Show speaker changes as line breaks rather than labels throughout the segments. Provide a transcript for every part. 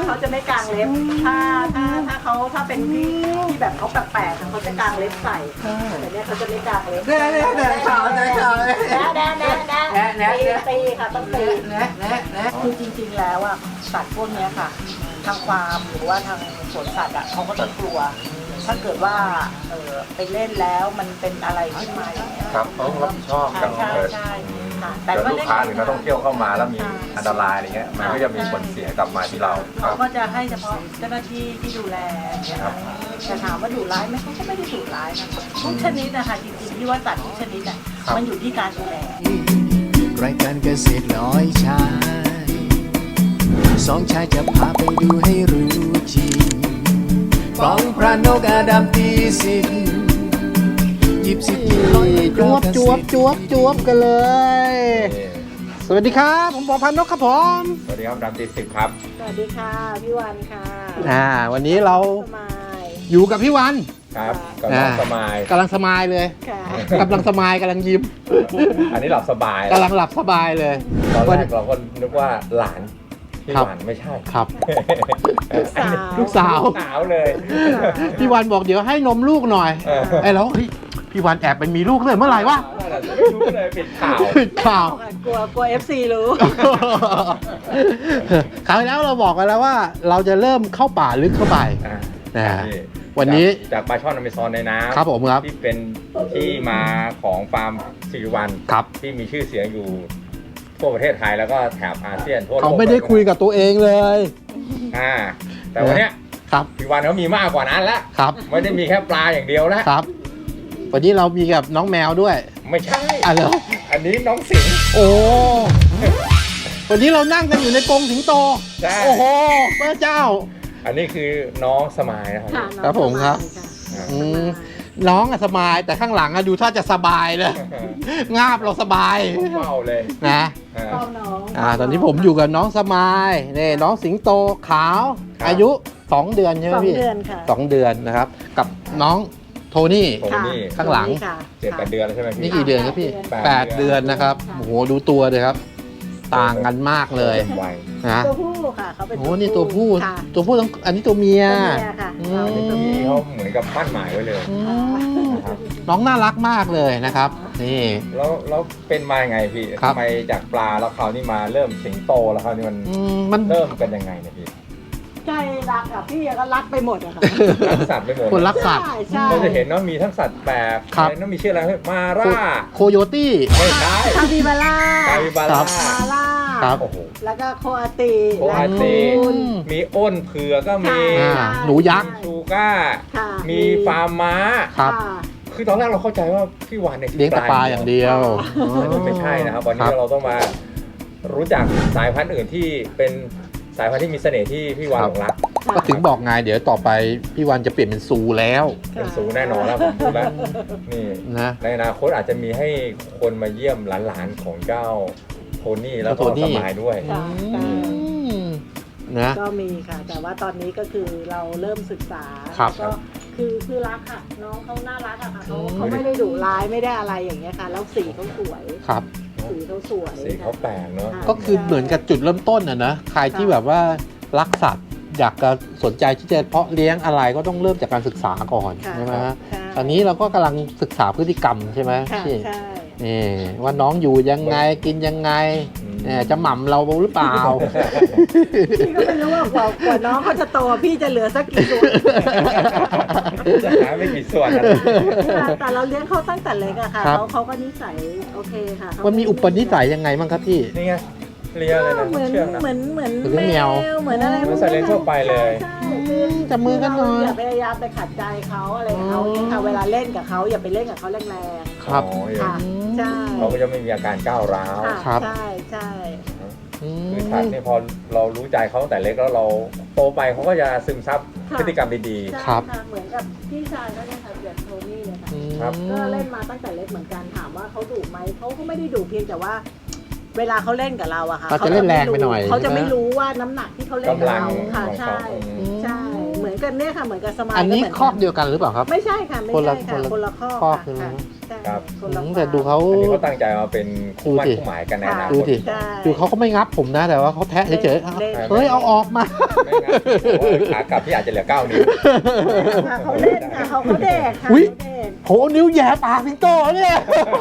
เขาจะไม่กางเล็บถ้าเป็นที่แบบเขาแปลกๆเขาจะกางเล็บใส่แต่เนี้ยเขาจะไม่กางเล็บ
แน่ข่าว
ตีค่ะต้องตีคือจริงๆแล้วอ่ะสัตว์พวกนี้ค่ะทางฟาร์มหรือว่าทางสวนสัตว์อ่ะเขาก็จะกลัวถ้าเกิดว่าไปเล่นแล้วมันเป็นอะไรขึ้นมาอย่างเงี้ย
ครับเขารับผิดชอบกัน
ใช่ค่ะแต่
ลูกค้าหรือนักท่องเที่ยวเข้ามาแล้วมีอันตรายอะไรเงี้ยมันก็จะมีผลเสียกลับมาที่เรา
เขาก็จะให้เฉพาะเจ้าหน้าที่ที่ดูแลเนี่ยค่ะแต่ถามว่าดุร้ายไหมเขาก็ไม่ได้ดุร้ายนะคะทุกชนิดนะคะจริงๆที่ว่าสัตว์ทุกชนิดอ่ะมันอยู่ที่การดูแล
รายการเกษตรร้อยชายสองชายจะพาไปดูให้รู้จริงฟ้องพระนกอาดัมตีสิบหยิบสิบร้อยจวบกันเลยสวัสดีครับผมปอพันนกครับผม
สวัสดีครับดัมตีสิบครับ
สวัสดีค่ะพี่วัน
ค่ะวันนี้เราอยู่กับพี่วัน
ครับกำลังสมาย
เลยกำลังสมายกำลังยิ้ม
อันนี้หลับสบาย
กำลังหลับสบายเลย
ตอนแรกเราก็นึกว่าหลานพี่วันไม่ใช่
ครับลูกสาว
เลย
พี่วันบอกเดี๋ยวให้นมลูกหน่อยไอ้แล้วพี่วันแอบไปมีลูกเลยเมื่อไหร่วะ
รู้เลยปิดข่าว
กลัว FC รู้
คราวแล้วเราบอกกันแล้วว่าเราจะเริ่มเข้าป่าลึกเข้าไปวันนี้
จากปลาช่อนอเมซอนในน้ำ
ครับผมครับ
ที่เป็นที่มาของฟาร์มสิริวัล
ครับ
ที่มีชื่อเสียงอยู่ทั่วประเทศไทยแล้วก็แถบอาเซียนทั่วโลก
เขาไม่ได้คุยกับตัวเองเลย
แต่วันนี้
ครับ
สิริวัลเขามีมากกว่านั้นแล้ว
ครับ
ไม่ได้มีแค่ปลาอย่างเดียวแล้ว
ครับวันนี้เรามีกับน้องแมวด้วย
ไม่ใช่
อะไร
อันนี้น้องสิง
โอ้วันนี้เรานั่งกันอยู่ในกรงสิงโตโอ้โหพระเจ้า
อันนี้คือน้องสมายนะครับ
ครับผมครับน้องสบายแต่ข้างหลังดูถ้าจะสบายเลยงาบเราสบาย
เมาเลย
นะตอนนี้ผมอยู่กับน้องสมายนี่น้องสิงโตขาวอายุ2 เดือนใช่ไหมพี่
2 เดือนค่ะ
2 เดือนนะครับกับน้องโทนี่ข้างหลัง
7-8 เดือนใช่ไหมพี่
นี่กี่เดือนครับพี่8 เดือนนะครับโอ้โหดูตัวเลยครับต่างกันมากเลย
นะตัวผู้ค่ะเขาเป็น
โอ้นี่ตัวผู้ต้องอันนี้ตัวเมีย
ค่ะ
ตัวนี้เขาเหมือนกับปั้นหมายไว้เลย
น้องน่ารักมากเลยนะครับนี่
แล้วเป็นมาไงพี่ทำไมจากปลาแล้วคราวนี้มาเริ่มสิงโตแล้วคราวนี้มันเริ่มกันยังไงเนี่ยพี่
ใจรักอ่ะพี่ก็รักไปหมดอะค่ะ
รักสัตว์ไปหมด
คนรักสัตว์
เราจะเห็นว่ามีทั้งสัตว์แปลกแล้วมีชื่ออะไรมาร่า
โคโยตี้
ไม่ใช่
คาปิบาร่า
ครับ
แล้วก็โคอาตี
มีอ้นเผือกก็มี
หนูยักษ์
ชูก้ามีฟาร์มม้าคือตอนแรกเราเข้าใจว่าพี่วันเนี่ย
เลี้ยงปลาอย่างเดียว
ไม่ใช่นะครับวันนี้เราต้องมารู้จักสายพันธุ์อื่นที่เป็นสายพันธุ์ที่มีเสน่ห์ที่พี่วันหลงรัก
ก็ถึงบอกไงเดี๋ยวต่อไปพี่วันจะเปลี่ยนเป็นซูแล้ว
เป็นซูแน่นอนแล้วผมพูดแล้วนี่นะในอนาคตอาจจะมีให้คนมาเยี่ยมหลานๆของเจ้าโทนี่แล้วก็สมายด้วย
นะ
ก็มีค่ะแต่ว่าตอนนี้ก็คือเราเริ่มศึกษาก็คือรักค่ะน้องเขาน่ารักอะค่ะเขาไม่ได้ดุร้ายไม่ได้อะไรอย่างเงี้ยค่ะแล้วสีเขาสวย
ครับ
สีเขาสวย
สีเขาแปลกเนาะ
ก็คือเหมือนกับจุดเริ่มต้นนะใครที่แบบว่ารักสัตว์อยากจะสนใจที่จะเพาะเลี้ยงอะไรก็ต้องเริ่มจากการศึกษาก่อนใช่ไหมตอนนี้เราก็กำลังศึกษาพฤติกรรมใช่ไหมพี่นี่ว่าน้องอยู่ยังไงกินยังไงจะหม่ำเราหรือเปล่า
พี่ก็ไม่รู้ว่ากว่าน้องเขาจะโตพี่จะเหลือสักกี่ส่วน
จะหาไม่กี่ส่วน
แต่เราเลี้ยงเขาตั้งแต่เล็กอะค่ะเขาก็นิสัยโอเคค่ะ
มันมีอุปนิสัยยังไงบ้างครับพี่
นี่ไงเลี้ยงเลยนะ
เหมือนแมวเหมือนอะไร
มันใส่เลี้ยงทั่วไปเลย
จับมือกันหน่อย
อย่าพยายามไปขัดใจเขาอะไรเขาเวลาเล่นกับเขาอย่าไปเล่นกับเขาแรง
ๆครับ
ค่ะใช่
เขาก็จะไม่มีอาการก้าวร้าว
ใช่ใช่
คือสัตว์นี่พอเรารู้ใจเขาตั้งแต่เล็กแล้วเราโตไปเขาก็จะซึมซับพฤติกรรมดี
ๆครับเหมือนกับพี่ชายเขาเนี่ยค่ะอย่างโทนี่เนี่ยค่ะก็เล่นมาตั้งแต่เล็กเหมือนกันถามว่าเขาดุไหมเขาก็ไม่ได้ดุเพียงแต่ว่าเวลาเขาเล่นกับเราอะค่ะ
เขาจะเล่นแรงไปหน่อย
เขาจะไม่รู้ว่าน้ำหนักที่เขาเล่นกับเราค่ะใช่ใช่เหมือนกันเนี่ยค่ะเหมือนกับสมาย
อันนี้คอกเดียวกันหรือเปล่าครับ
ไม่ใช่ค่ะไม่ใช่ค่ะคนละคอกค่ะใช่
ครับ
คนละ
แต่ดูเขา
อันนี้เขาตั้งใจมาเป็นคู่มั่น
ดูสิ
คู่หมายกันในอนาค
ดู
ต
ดิ
ใช่
ดูเขาก็ไม่งับผมนะแต่ว่าเขาแทะเฉยๆเฮ้ยเอาออกมา
ไม่งั้นโอ้ยขากลับที่อาจจะเหลือ9 นิ้ว
ค่ะเขาเล่นค่ะเขาแดกค่ะ
อุ๊ย
เขาแดก
โหนิ้วแย่ปากสิงโตเนี่ย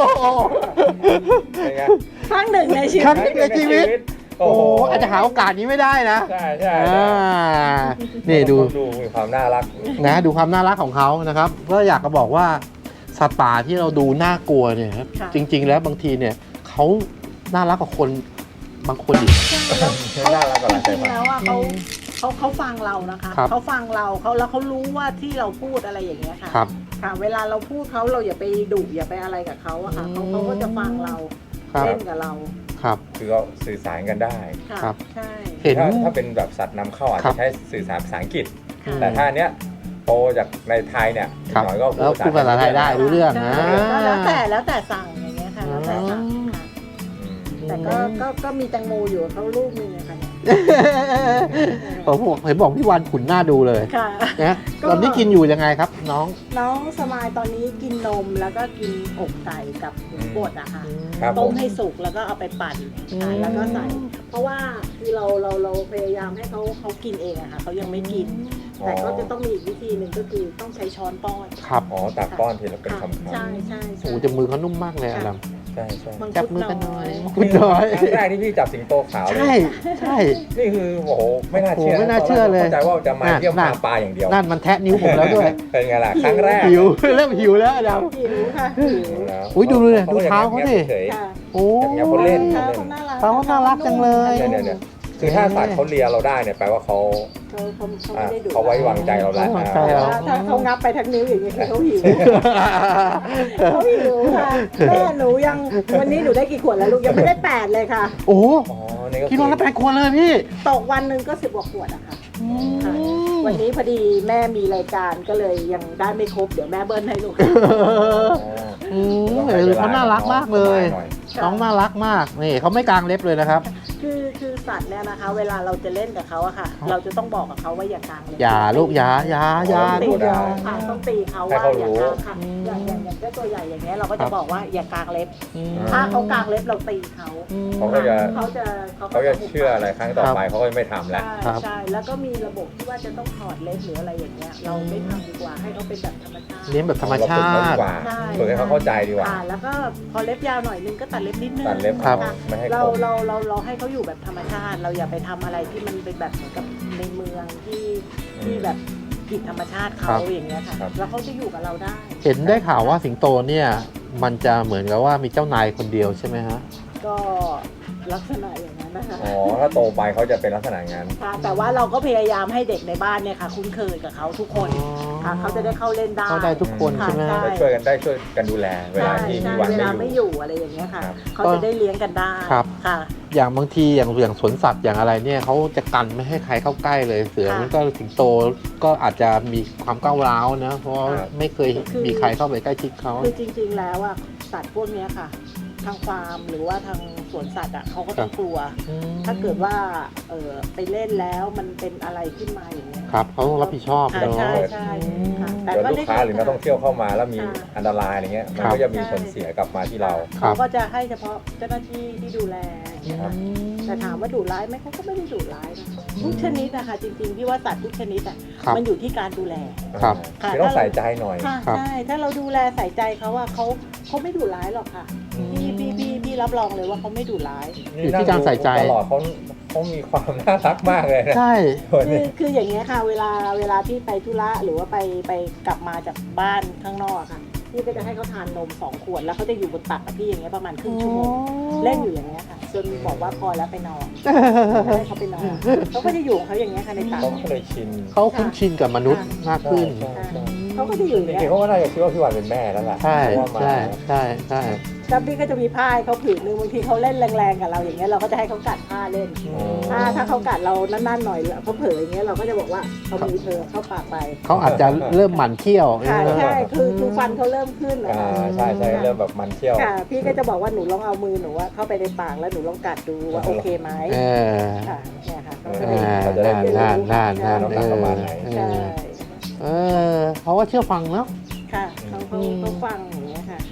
เป็นไง
ครั้งหนึ่งในชี
ครั้
วิ
ง
ต
ในชีวิต
โอ้
โอ้
โห
อาจจะหาโอกาสนี้ไม่ได้นะ
ใช่ใช่
อ่านี่ดู
ดูมีความน่ารัก
นะดูความน่ารักของเขานะครับก็อยากจะบอกว่าสัตว์ป่าที่เราดูน่ากลัวเนี่ยครับ
ค่ะ
จริง ๆ แล้วบางทีเนี่ยเขาน่ารักกว่าคนบางคนอีก
น่ารักกว่าหลาย
จ
สา
ริ
ย
ง
พัน
ๆ
ธุ์
แล้วอ่ะเขาฟังเรานะคะ
ครับ
เขาฟังเราแล้วเขารู้ว่าที่เราพูดอะไรอย่างเงี้ยค่ะ
ครับ
ค่ะ เวลาเราพูดเขาเราอย่าไปดุอย่าไปอะไรกับเขาอะค่ะ
อืม
เขาก็จะฟังเรา
ครับ
เล่นกับเรา
ครับ
คือเขาสื่อสารกันได้
ค่ะ
ครับ
ใช่
เห็น
ถ้าเป็นแบบสัตว์นำเข้าอาจ
ครั
จะ
บ
ใช้สื่อสารภาษาอังกฤษ
ค่ะ
แต่ถ้าอันเนี้ยโตจากในไทยเนี่ย
ครับ
หน่อยก็
แล้วพูดภาษาไทยได้รู้เรื่อง
ใช่
นะ
ก็แล้วแต่สั่งอย่างเงี้ยค่ะแล้วแต่สั่งค่ะ
อืม
แต่ก็มีแตงโมอยู่กับเขาลูกนึงนะคะเนี่ย
ผมเห็นบอกพี่วันขุนหน้าดูเลย
ค่ะ
นะ
ก็
ตอนนี้กินอยู่ยังไงครับน้อง
น้องสมายตอนนี้กินนมแล้วก็กินอกไก่กับหมูบดอะค่ะ
ครับผ
ต้ม
ม
ให้สุกแล้วก็เอาไปปั่น
อืม
ค่ะแล้วก็ใส่ เพราะว่าคือเราพยายามให้เขากินเองอะค่ะเขายังไม่กิน แต่ก็จะต้องมีอีกวิธีหนึ่งก็คือต้องใช้ช้อนป้อน
ครับ
อ๋อตักป้อนทีละเป็น
ค่ะ
คำ
ใช่ใช่
โอ้โหจะมือเขานุ่มมากเลยอะด
ๆใช่ใช่
มัง
ำจับ
คุด
มือกัน
น้
น้
อ
อย
ย
คุณน้อย
ครั้งแรกที่พี่จับสิงโตขาวเล
ใช่
ย
ใช่
นี่คือโอ้โหไม่น่าเชื่อ
โอ้โหไม่น่าเชื่อเลย
เข้าใจว่าจะมาเยี่ยม
น่ะ
พาปลาอย่างเดียว
นั่นมันแทะนิ้วผมแล้วด้วย
เป็นไงล่ะครั้งแรก
หิว เริ่มหิวแล้วด
หิวค่ะหิว
แล้ว
อุ๊ยดูเลยดูเท้าเขาสิ
เฉย
ค่ะ
ำโอ้
อย่างเงี้ยเขาเล่น
เขาน่ารัก
เขาน่ารักจังเลย
เนี่ยคือถ้าสัตว์เขาเลียเราได้เนี่ยแปลว่าเขา
เขาไม่ได้ดุ
เขาไว้วางใจเราแล้ว
ไว้วางใจเรา
ถ้าเขางับไปทั้งนิ้วอย่างนี้คือเขาหิวเขาหิวค่ะแม่หนูยังวันนี้หนูได้กี่ขวดแล้วลูกยังไม่ได้8เลยค่ะ
โอ้
อ๋อนี่ก็
กิโลละ8 ขวดเลยพี่
ตกวันหนึ่งก็10 กว่าขวดอะค่ะ ค่ะ วันนี้พอดีแม่มีรายการก็เลยยังได้ไม่ครบเดี๋ยวแม่เบิ้ลให้ลูก
อืมเขาน่ารักมากเลย น้องน่ารักมากนี่เขาไม่กางเล็บเลยนะครับ
คือสัตว์เนี่ยนะคะ เวลาเราจะเล่นกับเขาอะค่ะ
ครับ
เราจะต้องบอกกับเขาว่าอย่ากางเลย
อย่าลูกอย่า
ต้องตี
ลูกอย่า
ค่ะต้องตีเขา
ให้
ว่า
เขา
อย่า
รู้
กางค่ะอย่างเจ้าตัวใหญ่อย่างเงี้ยเราก็
ครั
จะ
บ
บอกว่าอย่ากางเล็บ
อืม
ถ้าเขากางเล็บเราตีเขา
เขาก็จะ
เขาจะ
เขาจะเชื่ออะไรครั้งต่อไปเขาก็ไม่ทำแล้ว
ครับ
ใช่แล้วก็มีระบบที่ว่าจะต้องถอดเล็บหรืออะไรอย่างเงี้ยเราไม่ทำดีกว่าให้เขาเป็นแบบธรรมชาติ
เลี้ยงแบบธรรมชา
เรฝึกเขดี
ติ
กว่า
ใช่
ฝึกให้เขาเข้าใจดีกว่า
แล้วก็พอเล็บยาวหน่อยนึงก็ตัดเล็บนิดนึง
ตัดเล็บ
ครับ
ค่ะ
ไม่ให้
เรา
คม
เราให้เขาอยู่แบบธรรมชาติ เราอย่าไปทำอะไรที่มันเป็นแบบเหมือนกับในเมืองที่แบบผิดธรรมชาติ
ครั
เขา
บ
อย่างเงี้ยค่ะ
ครับ
แล้วเขาจะอยู่กับเราได้
เห็นได้ข่าวว่าสิงโตเนี่ย มันจะเหมือนกับว่ามีเจ้านายคนเดียวใช่ไหมฮะ
ก็ลักษณะอย่างนั้นนะคะ
อ๋อถ้าโตไปเขาจะเป็นลักษณะงั้น
ค่ะแต่ว่าเราก็พยายามให้เด็กในบ้านเนี่ยค่ะ คุ้นเคยกับเขาทุกคนค่ะเขาจะได้เข้าเล่นได้
เข้าได้ทุกคน
ค่ะ
ใช่ไหม
ใช่
ได้ช่วยกันดูแลเวลาที่
ใช่
มีวัน
เวลา
ไม่
ไม่
อ
อยู่ ยู่อะไรอย่างเงี้ยค่ะ
ครับ
เขาจะได้เลี้ยงกันได้
ครับ
ค่ะ
อย่างบางทีอย่างสวนสัตว์อย่างอะไรเนี่ยเขาจะกันไม่ให้ใครเข้าใกล้เลยเสือ
ค่ะ
มันก็สิงโตก็อาจจะมีความก้าวร้าวนะ เพราะว่า
ครับ
ไม่เคยมีใครเข้าไปใกล้ชิดเขา
คือจริง ๆ แล้วอ่ะสัตว์พวกเนี้ยค่ะ ทางฟาร์มหรือว่าทางสวนสัตว์อ่ะเขาก็ต้องกลัว ถ้าเกิดว่าไปเล่นแล้วมันเป็นอะไรขึ้นมาอย่างเงี้ย
ครับเขาต้องรับผิดชอบ
ค่ะ
เนาะ
ใช่ใช่ค่ะแต่
เดี๋ยว
ก็
ลู
ได้
กค้าหรือนักท่องเที่ยวเข้ามาแล้วมี
ค่ะ
อันตรายอะไรเงี้ยมัน
ครับ
ก็จะมีผลเสียกลับมาที่เรา
ครั
เขา
บ
ก็จะให้เฉพาะเจ้าหน้าที่ที่ดูแลอย่างเงี้ยค่ะแต่ถามว่าดุร้ายไหมเขาก็ไม่ได้ดุร้ายนะทุกชนิดนะคะจริงๆพี่ว่าสัตว์ทุกชนิดอ่ะ
ครับ
มันอยู่ที่การดูแล
ครับ
ค่ะ
คือต้องใส่ใจหน่อย
ค่ะ
ครับ
ใช่ถ้าเราดูแลใส่ใจเขาว่าเขาไม่ดุร้ายหรอกค่ะพี่รับรองเลยว่าเขาไม่ดุร้าย
อยู่ที่การใส่ใจ
ตลอดเขามีความน่ารักมากเลยนะ
ใช่
คนนี้
คืออย่างเงี้ยค่ะเวลาพี่ไปธุระหรือว่าไปกลับมาจากบ้านข้างนอกค่ะพี่ก็จะให้เขาทานนม2 ขวดแล้วเขาจะอยู่บนตักกับพี่อย่างเงี้ยประมาณครึ่งชั่วโมงเล่นอยู่อย่างเงี้ยค่ะจนบอกว่าพอแล้วไปนอนให้เขาไปนอนเขาก็จะอยู่ของเขาอย่างเงี้ยค่ะในตัก
เขาก็เลยชิน
เขาคุ้นชินกับมนุษย์มากขึ้น
ใช่ใช่
เขาก็จะอยู่อย่าง
จริ
เงี้
ง
ย
ๆเขาก็น่าจะคิดว่าพี่วันเป็นแม่แล้วล่ะ
ใช่
เพราะว่ามา
ใช่ใช่ใช่
แล้วพี่ก็จะมีผ้าให้เขาผืนนึงบางทีเขาเล่นแรงๆกับเราอย่างเงี้ยเราก็จะให้เขากัดผ้าเล่น ถ้าเขากัดเรานั่นๆหน่อยเขาเผลออย่างเงี้ยเราก็จะบอกว่าเอามือเธอเข้าปากไป
เขาอาจจะเริ่มหมั่นเคี้ยว
ค่ะใช่คือฟันเขาเริ่มขึ้นนะ
อ่า
คะ
ใช่ใช่เริ่มแบบมันเที่ยว
ค่ะ พี่ก็จะบอกว่าหนูลองเอามือหนูว่าเข้าไปในปากแล้วหนูลองกัดดูว่าโอเคไหม
เออ
ค่ะเนี่ยค่ะเขาก็
อ่า
เลย
น่าน
น้ำหนักประมาณไหน
เอ
ใช่
อเออเขาว่าเชื่อฟังเนาะ
ค่ะเขาฟังอย่างเงี้ยค่ะ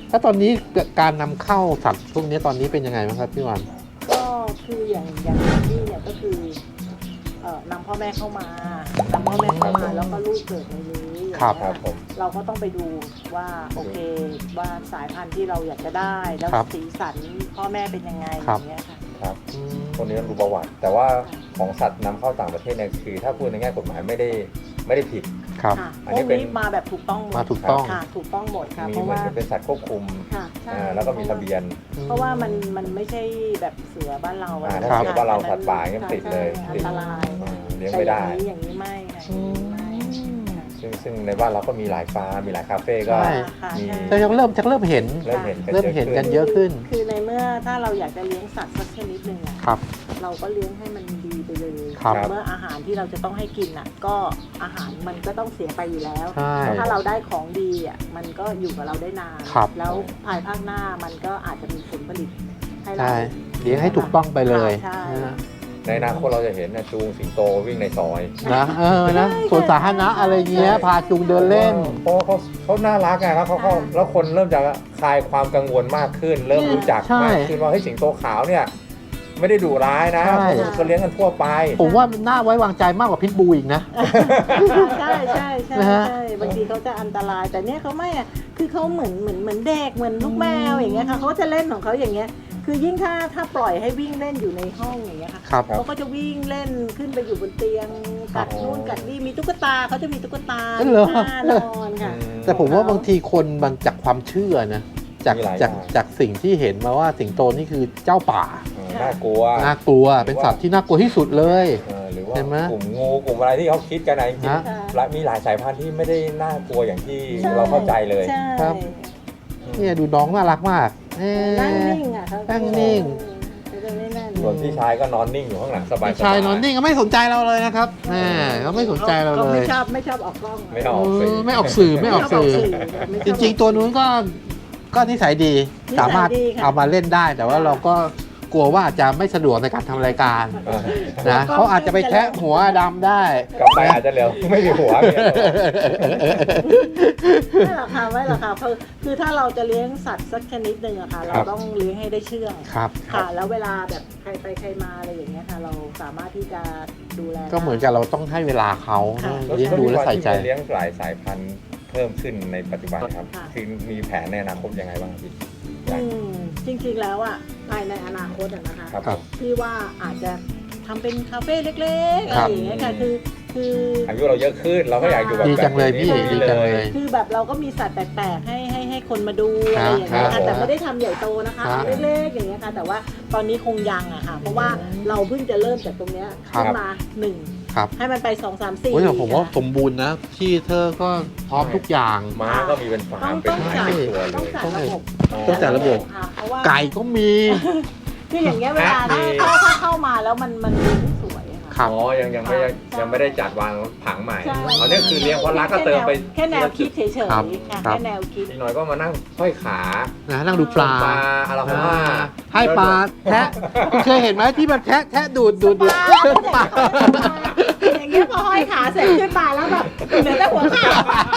แล้วตอนนี้การนำเข้าสัตว์พวกนี้ตอนนี้เป็นยังไงบ้างครับพี่วัน
ก็คืออย่างที่เนี่ยก็คือนำพ่อแม่เข้ามานำพ่อแม่เข้ามาแล้วก็ลูกเกิดในนี้อย่างเงี้ย
ครับผม
เราก็ต้องไปดูว่าโอเคว่าสายพันธุ์ที่เราอยากจะได้แล้ว
ครับ
สีสันพ่อแม่เป็นยังไงอย่างเงี้ยค่ะ
ครับคนนี้ต้องดูประวัติ แต่ว่าของสัตว์นำเข้าต่างประเทศเนี่ยคือถ้าพูดในแง่กฎหมายไม่ได้ผิด
ครับ
ค่ะ
อัน
พ
นี้
วก
เป็น
นี้มาแบบถูกต้องหมด
มาถูกต้อง
ค่ะถูกต้องหมดค่ะ
มี
เพราะ
เหมือน
ว่า
กับเป็นสัตว์ควบคุม
ค่ะใช่
แล้วก็มีทะเบียน
เพราะว่ามันไม่ใช่แบบเสือบ้านเราอะ
ถ้า
ครับ
เสือบ้านเราสัตว์ป่าเนี่ยติดเลย
ใช่อั
ติ
น
ด
ตราย
เลี้ยงไม่ได้
แต่อย่างนี้ไม่ค่ะอย่างนี้ไม่ค่ะ
ซึ่งในบ้านเราก็มีหลายฟาร์มมีหลายคาเฟ่ก็
ใช่
ค่ะ
มี
ใช่
แต่ยังเริ่มเห็น
เริ่มเห็น
เริ่มเห็นกันเยอะขึ้น
คือในเมื่อถ้าเราอยากจะเลี้ยงสัตว์สักชนิดหนึ่งอะ
ครับ
เราก็เลี้ยงให้มันดีไปเลย
ครับ
เมื่ออาหารที่เราจะต้องให้กินอ่ะ ก็อาหารมันก็ต้องเสียไปอยู่แล้ว
ใช่
ถ้าเราได้ของดีอ่ะมันก็อยู่กับเราได้นาน
ครับ
แล้วภายภาคหน้ามันก็อาจจะมีผลผลิตให้เรา
ใช่เลี้ยงให้ถูกต้องไปเลย
ใช่
นะ
ในอนาคตเราจะเห็นนะจูงสิงโตวิ่งในซอย
นะนะสวนสาธารณะอะไรเงี้ยพาจูงเดินเล่น
เพราะว่าเขาน่ารักไงแล้วแล้วคนเริ่มจะคลายความกังวลมากขึ้น เริ่มรู้จัก
ใช่
มากขึ้นว่าเฮ้ยสิงโตขาวเนี่ยไม่ได้ดุร้ายนะ
ใช่
ก็เลี้ยงกันทั่วไป
ผมว่ามันน่าไว้วางใจมากกว่าพิทบูอีกนะ
ใช่ใช่ใช่
นะฮะ
ใช่บางทีเขาจะอันตรายแต่เนี้ยเขาไม่อ่ะคือเขาเหมือนเด็กเหมือนลูกแมวอย่างเงี้ยค่ะเขาจะเล่นของเขาอย่างเงี้ยคือยิ่งถ้าปล่อยให้วิ่งเล่นอยู่ในห้องอย่างเงี้ยค่ะ
ครับ
เขาก็จะวิ่งเล่นขึ้นไปอยู่บนเตียงกัดนู่นกัดนี่มีตุ๊กตาเขาจะมีตุ๊กตา
เหรอ
ท่านอนค่ะ
แต่ผมว่าบางทีคนมันจากความเชื่อนะจาก
มีหลาย
จาก
อย่าง
จากสิ่งที่เห็นมาว่าสิงโตนี่คือเจ้าป่า
น่ากลัว
น่ากลัวเป็นสัตว์ที่น่ากลัวที่สุดเลย
หรือว่า
เห็นไหม
กลุ่มงูกลุ่มอะไรที่เขาคิดกันนะจริง
ฮะ
ๆมีหลายสายพันธุ์ที่ไม่ได้น่ากลัวอย่างที่
ใช่
เราเข้าใจเลย
ใช่
ครับ เนี่ยดูน้องน่ารักมากเอ๊ะ
นั่งนิ่งอ่ะเขา
นั่งนิ่ง
เขาจะไม่นั่น
ส่วนพี่ชายก็นอนนิ่งอยู่ข้างหลังสบายๆ
ชายนอนนิ่งก็ไม่สนใจเราเลยนะครับแหมเขาไม่สนใจเรา
เขา
เล
ไม่
ย
ชอบออกกล้อง
ไม่ออกสื่อ
ไม่ออกสื่อไม่ออกสื่อ
ไม่ช
จ
อบ
ริงๆ ตัวนู้นก็นิสัยดี
นิสัยดี
สามารถ
ค่ะ
เอามาเล่นได้ แต่ว่าเราก็กลัวว่าอาจจะไม่สะดวกในการทำรายการ
อ่า
นะเขาอาจจะไปแทะหัวดำได้
กลับไปอาจจะเหลือไม่มีหัวเนี่ย
ไม่หรอกค่ะไม่หรอกค่ะคือถ้าเราจะเลี้ยงสัตว์สักชนิดหนึ่งอะค่ะ เราต้องเลี้ยงให้ได้เชื่อง
ครับ
ค่ะ แล้วเวลาแบบใครไปใครมาอะไรอย่างเงี้ยค่ะ เราสามารถที่จะดูแล
ก็เหมือนกับเราต้องให้เวลาเขา
ค่ะ
เลี้ยงดูและใส่ใจ
ที่เลี้ยงหลายสายพันธุ์เพิ่มขึ้นในปัจจุบันครับ
ค่ะ
คือมีแผนในอนาคตยังไงบ้างพี่
อืมจริงๆแล้วอะภายในอนาคตอะนะคะ
ครับ
ครับ
พี่ว่าอาจจะทำเป็นคาเฟ่เล็กๆ
ค
อะ
รับ
ไรอย่างเงี้ยค่ะคือ
อายุเราเยอะขึ้นเราก็อยากอยู่แบบ
ดีจังเลย
แบบ
พี่
นี้
ดีจังเลย
คือแบบเราก็มีสัตว์แปลกๆให้คนมาดูอะไรอย่างเงี้ย
ครั
ค่ะ
บ
แต่ไม่ได้ทำใหญ่โตนะคะ
ครับ
เล็กๆอย่างเงี้ยค่ะ แต่ว่าตอนนี้คงยังอะค่ะ เพราะว่าเราเพิ่งจะเริ่มจากตรงเนี้ย
ครับ
ขึ้นมาหนึ่ง
ครับ
ให้มันไป2 3 4
โอ้ยแต่ผมว่าสมบูรณ์นะที่เธอก็พร้อมทุกอย่าง
ม้าก็มีเป็นฟาร์มเป็นหลายสิบตัวเล
ต้อง
ย
จัดระบบ
ต้องจัดระบบ
ค่ะเพราะว่า
ไก่ก็มี
คืออย่างเงี้ยเวลา
แพะมี
ถ้าเข้ามาแล้วมันดูไม่สวยอะค่ะ
ครับ
อ๋อยังไม่ได้จัดวางผังใหม่
ใช่
ตอนนี้คือเลี้ยงเพราะรักก็เติมไป
แค่แนวคิดเฉยๆ
ครั
ค่ะ
บครับ
แค่แนวคิด
อีกหน่อยก็มานั่งห้อยขา
นะนั่งดูปลา
อาราโฮมา
ให้ปลาแทะเคยเห็นไหมที่มันแทะดูดปลา
อย่างเงี้ยพอห้อยขาเสร็จขึ้นมาแล้วแบบเหลือแต่หัวขา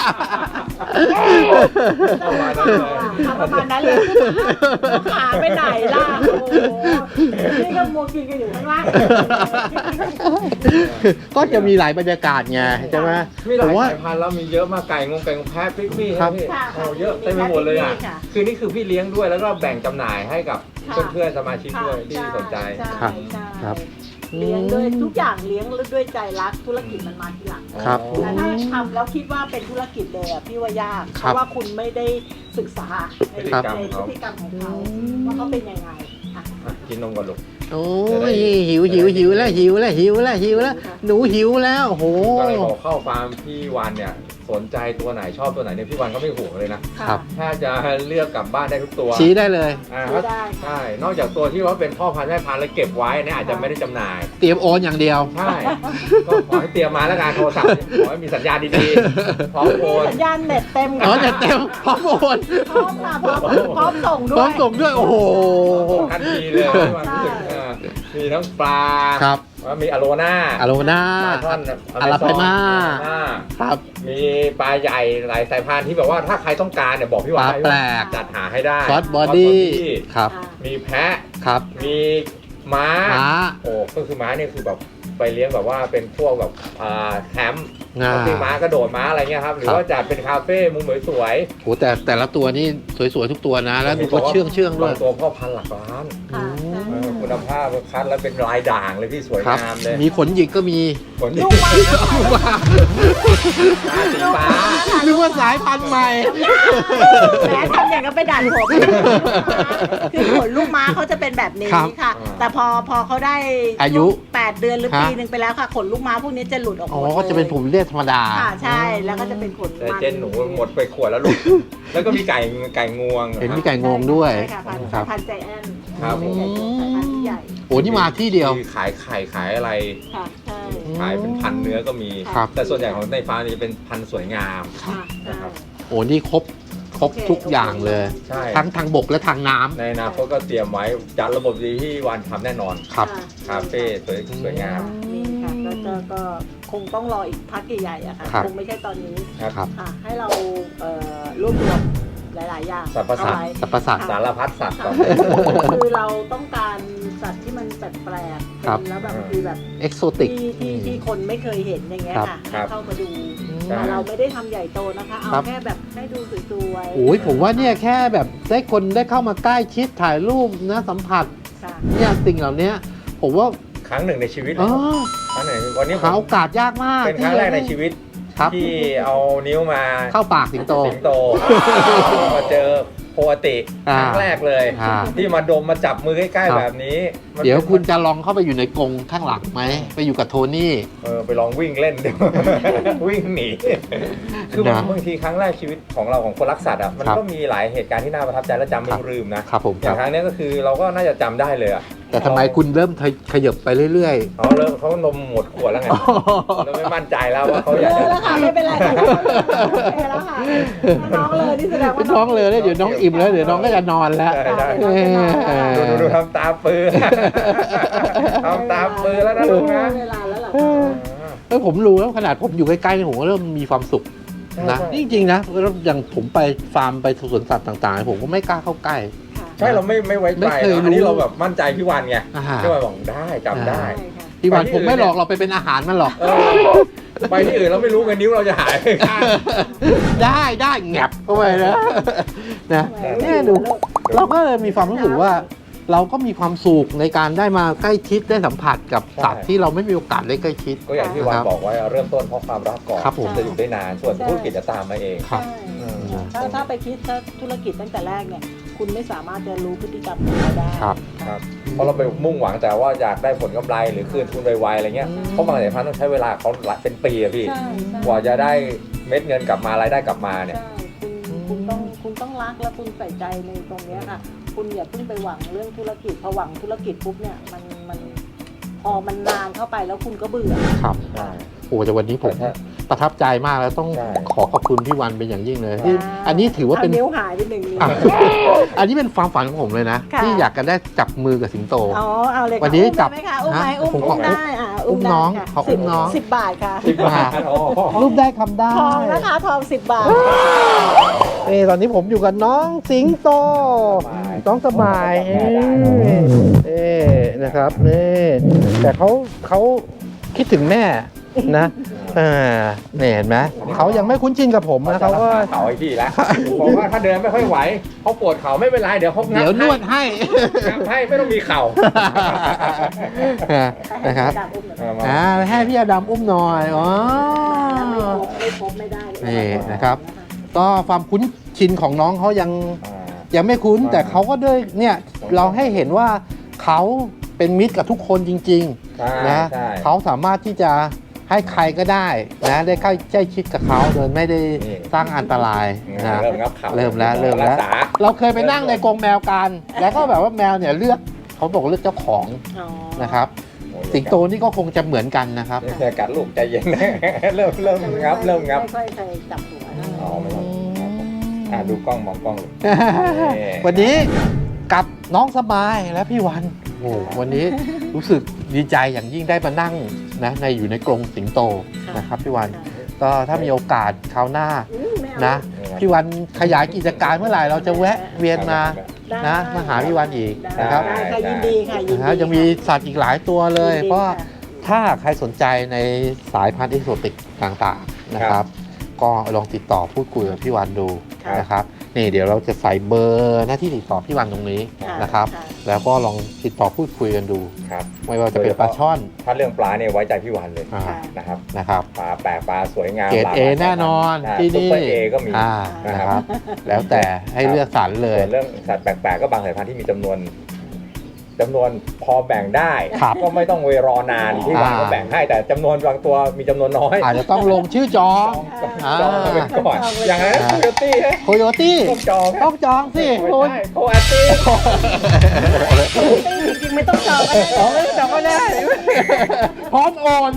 ประมาณนั้นเลย
ทำประมาณนั้นเลยหัวขาไปไหนล่ะโอ้โหนี่ก็มัวกินกันอยู่ข้างล่าง
ก็จะมีหลายบรรยากาศไงใช่ไหม
มีห
ผ
ลาย
มว่า
สายพันธุ์แล้วมีเยอะมากไก่แพะปิ๊กมี่
ครับ
พี่
ค่ะ
โอ้เยอะเต็มไปหมดเลยอ่ะ
ค่ะ
คือนี่คือพี่เลี้ยงด้วยแล้วก็แบ่งจำหน่ายให้กับ
ค่ะ
เพื่อนๆสมาชิกด้วยที่สนใจ
ช่
ครับ
ใช่
ครับ
เลี้ยงด้วยทุกอย่างเลี้ยงด้วยใจรักธุรกิจมันมาทีหลัง
ครับ
แต่ถ้าทำแล้วคิดว่าเป็นธุรกิจเลยอะพี่ว่ายาก
ค
เพ
รับ
ราะว่าคุณไม่ได้ศึกษาใน
ครับ
ในพฤติกรรมของเขาว่าเขาเป็นยังไงอ่ะ
อ่ะกินนมก่อนลูก
โอ้ยหิวแล้วหนูหิวแล้วโอ้โห
ก็เลยบอกเข้าฟาร์มพี่วันเนี่ยสนใจตัวไหนชอบตัวไหนเนี่ยพี่วันก็ไม่ห่วงเลยนะ
ครับ
ถ้าจะเลือกกลับบ้านได้ทุกตัว
ชี้ได้เลย
อ่า
ซื้อได้ค่ะ
ใช่นอกจากตัวที่ว่าเป็นพ่อพันธุ์แม่พันธุ์แล้วเก็บไว้เนี่ยอาจจะไม่ได้จำหน่าย
เตรียมโอนอย่างเดียว
ใช่ ก็ขอให้เตรียมมาแล้วกันโทรศัพท์เนี่ยขอให้มีสัญญาณดีๆ พร้อมโอ
มี
น
สัญญาณเน็ตเต็ม
อ๋อแต่เต็มพร้อมโอน
พร้อมค่ะพร้อมส่งด้
พร้
ว
อย มส่งด้วยโอ้โห
ทันทีเลย
ใช่
พี่วันรู้สึกมีทั้งปลา
ครับ
ว่ามีอโลนา
อโลนา
ปลาช่อน
อาราไพมา ครับ
มีปลาใหญ่หลายสายพันธุ์ที่แบบว่าถ้าใครต้องการเนี่ยบอกพี่วาน
ปลาแปลก
จัดหาให้ได้
ซอสบอดี้ครับ
มีแพะ
ครับ
มีม้า
ม้า
โอ้ก็คือม้าเนี่ยคือแบบไปเลี้ยงแบบว่าเป็นพวกแบบแคมป์
อ่า
ที่ม้ากระโดดม้าอะไรเงี้ยครับหรือ
ครับ
ว่าจัดเป็นคาเฟ่มุมสวย
โหแต่ละตัวนี่สวยๆทุกตัวนะ แล้วดูก็เชื่องๆด้วย
บางตัวพ่อพันธุ์หลักล้าน
ค่ะ
คุณภาพคัดแล้วเป็นลายด่างเลยพี่สวย
ครับ
งามเลย
มีขนหยิกก็มี
ขนสี
ลูกม้า
ฟ้า
นึกว่าสายพันธุ์ใหม่
แม้ทำอย่างก็ไปดัดผมคือขนลูกม้าเขาจะเป็นแบบนี้
ครับ
ค่ะ แต่พอเขาได้
อายุ
8 เดือนหรือ
ฮะ
ปีหนึ่งไปแล้วค่ะขนลูกม้าพวกนี้จะหลุดออกหม
อ๋อ
ดเลย
ก็จะเป็นผมเรียกธรรมดา
ค่ะใช่แล้วก็จะเป็นขน
แต่
มัน
เจนหนูหมดไปขวดแล้วลูก แล้วก็มีไก่งวง
เห็นมีไก่งวงด้วย
ใช่ค่ะพันธุ์
ครับ
พันธุ์ใจแอน
ครับผม
สายพันธุ์ที่ใหญ่
โอ้นี่มาที่เดียว
มีขายไข่ขายอะไร
ค่ะใช่
ขายเป็นพันเนื้อก็มี
ครับ
แต่ส่วนใหญ่ของในฟาร์มนี้เป็นพันธุ์สวยงาม
ค่ะใช่
นะครับ
โอ้นี่ครบทุกอย่างเลย
ใช่
ทั้งทางบกและทางน้ำ
ในอนาคตก็เตรียมไว้จัดระบบดีที่วันทำแน่นอน
ครับ
คาเฟ่สวยงาม
นี่ค่ะก็คงต้องรออีกพักใหญ่ๆอะค่ะ
ครับ
คงไม่ใช่ตอนนี้
ครับ
ครับ
ค่ะให้เรารวบรวมหลาย ๆ อย่าง
สรรพสัตว์
เข้าไว้
สรรพสัตว์
สารพัดสัตว์ก่อน
คือเราต้องการสัตว์ที่มันแปลกๆ
ครับ
แล้วแบบคือแบบ
เอกโซติก
ที่คนไม่เคยเห็นอย่างเงี้ย
ครับ
ค่ะ
ครั
ให้
บ
เข้ามาดู
ใช่
แต่เราไม่ได้ทำใหญ่โตนะคะ เอา
ครับ
แค่แบบให้ดูสวยๆ
โอ้ยผมว่าเนี่ยแค่แบบได้คนได้เข้ามาใกล้ชิดถ่ายรูปนะสัมผัส
ค่ะ
เนี่ยสิ่งเหล่านี้ผมว่า
ครั้งหนึ่งในชีวิต
เอ
เลย
อ
ครั้งหนึ่งวันนี้ผ
หาม โอกาสยากมาก
เป็นครั้งแรกในชีวิต
ครับ
ที่เอานิ้วมา
เข้าปากสิงโต
สิงโต มาเจอโพติครั้งแรกเลย
อ่า
ที่มาดมมาจับมือใกล้
ครับ
ๆแบบนี้มัน
เดี๋ยวคุณจะลองเข้าไปอยู่ในกรงข้างหลังไหมไปอยู่กับโทนี่
ไปลองวิ่งเล่นดู วิ่งหนี คือ
นะ
บางทีครั้งแรกชีวิตของเราของคนรักสัตว์อ่ะมัน
ครับ
ก็มีหลายเหตุการณ์ที่น่าประทับใจและจำไม่ลืมนะครับ
ผม
อย่างครั้งนี้ก็คือเราก็น่าจะจำได้เลยอ่ะ
แต่ทำไมคุณเริ่มขยับไปเรื่อย
เขานมหมดขวดแล้วไงเราไม่มั่นใจแล้วว่าเขา
เล
อยาก
ย
จะ
แล้วค่ะไม่เป็นไรค่ะโอเคแล้วค่ะน้องเลยนี่แสดง
ๆ
ว่า
น้องเลยแล้วเดี๋ยวน้องอิ่มแล้วเดี๋ยวน้องก็จะนอนแล้ว
ได้
เออ
ดูทำตาปือ ทำตาปือแล้วนะลูกนะ
เวลาแล้วเหรอ
เออผมรู้แล้วขนาดผมอยู่ใกล้ๆนี่ผมก็เริ่มมีความสุขนะ
ใช่
จริงๆนะแล้วอย่างผมไปฟาร์มไปสวนสัตว์ต่างๆ ผมก็ไม่กล้าเข้าใกล้
ค่ะ
ใช่เราไม่ไว้ใจ
ไม่เคยรู้
อันนี้เราแบบมั่นใจพี่วันไง
อ่า
พี่วันบอกได้จำได้
ใช่ค่ะ
พี่วัน
ไปที่
ผมไม่
อื่น
หลอกเราไปเป็นอาหารมันหรอก
เออไปที่อื่นเราไม่รู้ไงนิ้วเราจะหายไปข้าง
ได้แงบเข้าไปนะนะ
แหม
แน่ดูเราก็เลยมีความรู้สึกว่า เราก็มีความสุขในการได้มาใกล้ชิดได้สัมผัสกับสัตว์ที่เราไม่มีโอกาสได้ใกล้ชิด
ก็อย่างที่วันบอกไว้เริ่มต้นเพราะความรักก่อน
ครับผม
จะอยู่ได้นานส่วนธุรกิจจะตามมาเอง
ครับ
ใช่ถ้าไปคิดถ้าธุรกิจตั้งแต่แรกเนี่ย คุณไม่สามารถจะรู้พฤติกรรมของเขาได้
ครับ
ครับเพราะเราไปมุ่งหวังแต่ว่าอยากได้ผลกำไรหรือคืนทุนไวๆอะไรเงี้ยเพราะบางสายพันธุ์ต้องใช้เวลาเขาเป็นปีอะพี่
ใช่ใช่
กว่าจะได้เม็ดเงินกลับมารายได้กลับมาเนี่ย
ใช่คุณต้องรักและคุณใส่ใจในตรงเนี้ยค่ะ คุณอย่าเพิ่งไปหวังเรื่องธุรกิจพอหวังธุรกิจปุ๊บเนี่ยมันพอมันนานเข้าไปแล้วคุณก็เบื่อ
ครับ
ใช่
โอ้แต่วันนี้ผม
แต่ถ้า
ประทับใจมากแล้วต้อง
ใช่
ขอบคุณพี่วันเป็นอย่างยิ่งเลยที่อันนี้ถือว่าเป็น
นิ้วหายไปหนึ่งนิ้ว
อ่ะอันนี้เป็นความฝันของผมเลยนะ
ค่ะ
ที่อยากจะได้จับมือกับสิงโต
อ๋อเอาเลยค่ะ
วันนี้จับ
อุ้มได้ไหมคะอุ้มไหม
ฮะ
อุ้ม
ผมขอ
ได้อุ้ม
น้อง
ได้ค่ะ
ขออุ้มน้อง
10 บาทค่ะ
10 บาทอ๋อ
รูปได้คำได้
ทองนะคะทอง10 บาท
ตอนนี้ผมอยู่กับน้องสิงโต น้องสบายนะครับนี่แต่เขาคิดถึงแม่นะเนี่ยเห็นไหมเขายังไม่คุ้นชินกับผมนะเขาก็
เขาไอ้พี่แล้วบอกว่าถ้าเดินไม่ค่อยไหวเขาปวดเข่าไม่เป็นไรเดี๋ยวเขางั
เดี๋ยวนวดให้
งับให้ไม่ต้องมีเข่า
นะครับ ให้พี่อดำอุ้มหน่อยอ๋อ
ไม่ครบไม่ได้เลย
นี่นะครับ ก็ความคุ้นชินของน้องเขายังไม่คุ้น แต่เขาก็ด้วยเนี่ยเราให้เห็นว่าเขาเป็นมิตรกับทุกคนจริงๆนะเขาสามารถที่จะให้ใครก็ได้นะได้เข้าใกล้ชิดกับเขาโดยไม่ได้สร้างอันตรายนะ
เริ่มงับเข่า
เริ่มแล้ว
รักษา
เราเคยไปนั่งในกรงแมวกัน แล้วก็แบบว่าแมวเนี่ยเลือกเขาบอกเลือกเจ้าของนะครับ สิงโตนี่ก็คงจะเหมือนกันนะครับ
เนี่ยกัดลูกใจเย็นนะเริ่มงับ
ไม่ค่อยเคยจับหัว
อ๋อไม่ต้องดูกล้องมองกล้อง
วันนี้กับน้องสบายและพี่วันโอ้วันนี้รู้สึกดีใจอย่างยิ่งได้มานั่งนะอยู่ในกรงสิงโตนะครับพี่วันก็ถ้ามีโอกาสคราวหน้านะพี่วันขยายกิจการเมื่อไหร่เราจะแวะเวียนมานะมาหาพี่วันอีกนะครับ
ได้ค่ะยินดีค่ะยินดี
ยังมีสัตว์อีกหลายตัวเลย
ยินดี
เพราะ
ค่ะ
ถ้าใครสนใจในสายพันธุ์เอกโซติกต่างๆนะครับ ก็ลองติดต่อพูดคุยกับพี่วันดูนะครับนี่เดี๋ยวเราจะใส่เบอร์หน้าที่ติดต่อพี่วันตรงนี้นะครับ แล้วก็ลองติดต่อพูดคุยกันดู
ครับ
ไม่ว่าจะเป็นปลาช่อน
ถ้าเรื่องปลาเนี่ยไว้ใจพี่วันเลย
อ่า
นะครับ
นะครับ
ปลาแปลกปลาสวยงาม
เกรด
หลาก
เอ
หลาย
แน่นอน
ใช่
ที่
ซุป
นี่
เปอร์เอก็มี
นะครับ แล้วแต่ให้เลือกสรรเลย
ส่วนเรื่องสัตว์แปลกๆก็บางสายพันธุ์ที่มีจำนวนพอแบ่งได้
ครับ
ก็ไม่ต้องเวรอนานที่วันก็แบ่งให้แต่จำนวนบางตัวมีจำนวนน้อย
อาจจะต้องลงชื่อจอง
จองกันไปก่อนอย่างนั้นโคโยตี้
โคโยตี้
ต้องจอง
ต้องจองสิ
ไม่
คุณ
ใช่โคอาตี้
จริงๆไม่ต้องจองก็ได้
ไม่จองก็ได้พร้อมโอน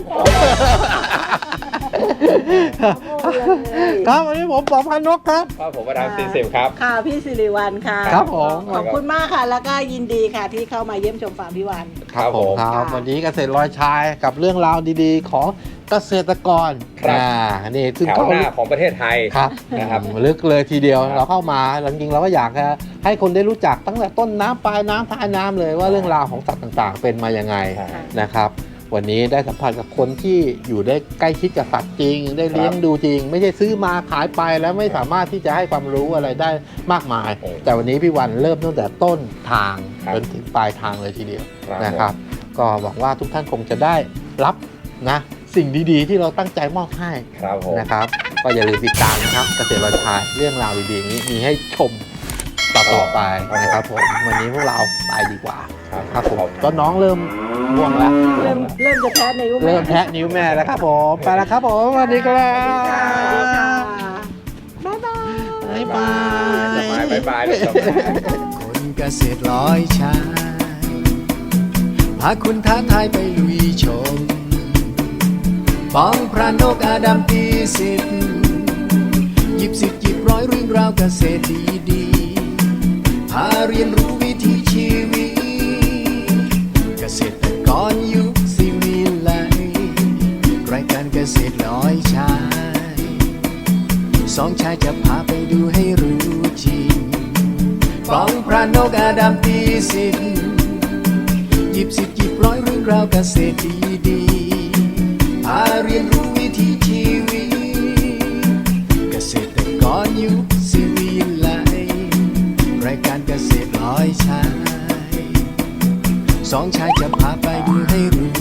ครับวันนี้ผมปอพันนกครับ
ครับผมประธาน40ครับ
ค่ะพี่สิริวัลค่ะ
ครับผม
ขอบคุณมากค่ะ แล้วก็ยินดีค่ะที่เข้ามาเยี่ยมชมฟาร์มพี่วัน
ครับผม
ครับ
ค่ะ
วันนี้เกษตรลอยชายกับเรื่องราวดีๆ ของเกษตรกร
ครับ
นี่ซึ่ง
แถว
เขา
หน้าของประเทศไทย
ครับ
นะครับ
ลึกเลยทีเดียว
ครับ
เราเข้ามาจริงๆเราก็อยากจะให้คนได้รู้จักตั้งแต่ต้นน้ำปลายน้ำท้ายน้ำเลยว่าเรื่องราวของสัตว์ต่างๆ เป็นมายังไง
ใช่
นะครับ วันนี้ได้สัมผัสกับคนที่อยู่ได้ใกล้ชิดกับสัตว์จริง ได้เลี้ยงดูจริง ไม่ใช่ซื้อมาขายไปแล้วไม่สามารถที่จะให้ความรู้อะไรได้มากมาย
โอ้
แต่วันนี้พี่วันเริ่มตั้งแต่ต้นทาง
ครับ
จนถึงปลายทางเลยทีเดียว
ครับ
นะครับ ก็หวังว่าทุกท่านคงจะได้รับนะสิ่งดีๆ ที่เราตั้งใจมอบให้
ครับผม
นะครับ ก็อย่าลืมติดตามนะครับเกษตรลอยชายเรื่องราวดีๆอย่างนี้มีให้ชมต่อๆไปนะครับผมวันนี้พวกเราไปดีกว่า
ครับ
ครับผมก็น้องเริ่มง่วงแล้ว
เริ่มจะแพ้ในยุค
เริ่มแทะนิ้วแม่แล้วครับผมไปแล้วครับผมสวัสดีครับ
สวัสดีค่ะบ๊ายบาย
บ๊ายบาย
สบายบายเลยสบาย
คนเกษตรลอยชายพาคุณท้าทายไปลุยชมป้องพระนกอาดัมตีสิทธิ์หยิบสิทธิ์หยิบร้อยเรื่องราวเกษตรดีๆพาเรียนรู้วิถีชีวิตเกษตรกรยุคสิวิไลรายการเกษตรลอยชายสองชายจะพาไปดูให้รู้จริงฟ้องพระนกอาดัมตีสิทธิ์หยิบสิทธิ์หยิบร้อยเรื่องราวเกษตรดีๆพาเรียนรู้วิถีชีวิตเกษตรกรยุคสิวิไลรายการเกษตรลอยชายสองชายจะพาไปดูให้รู้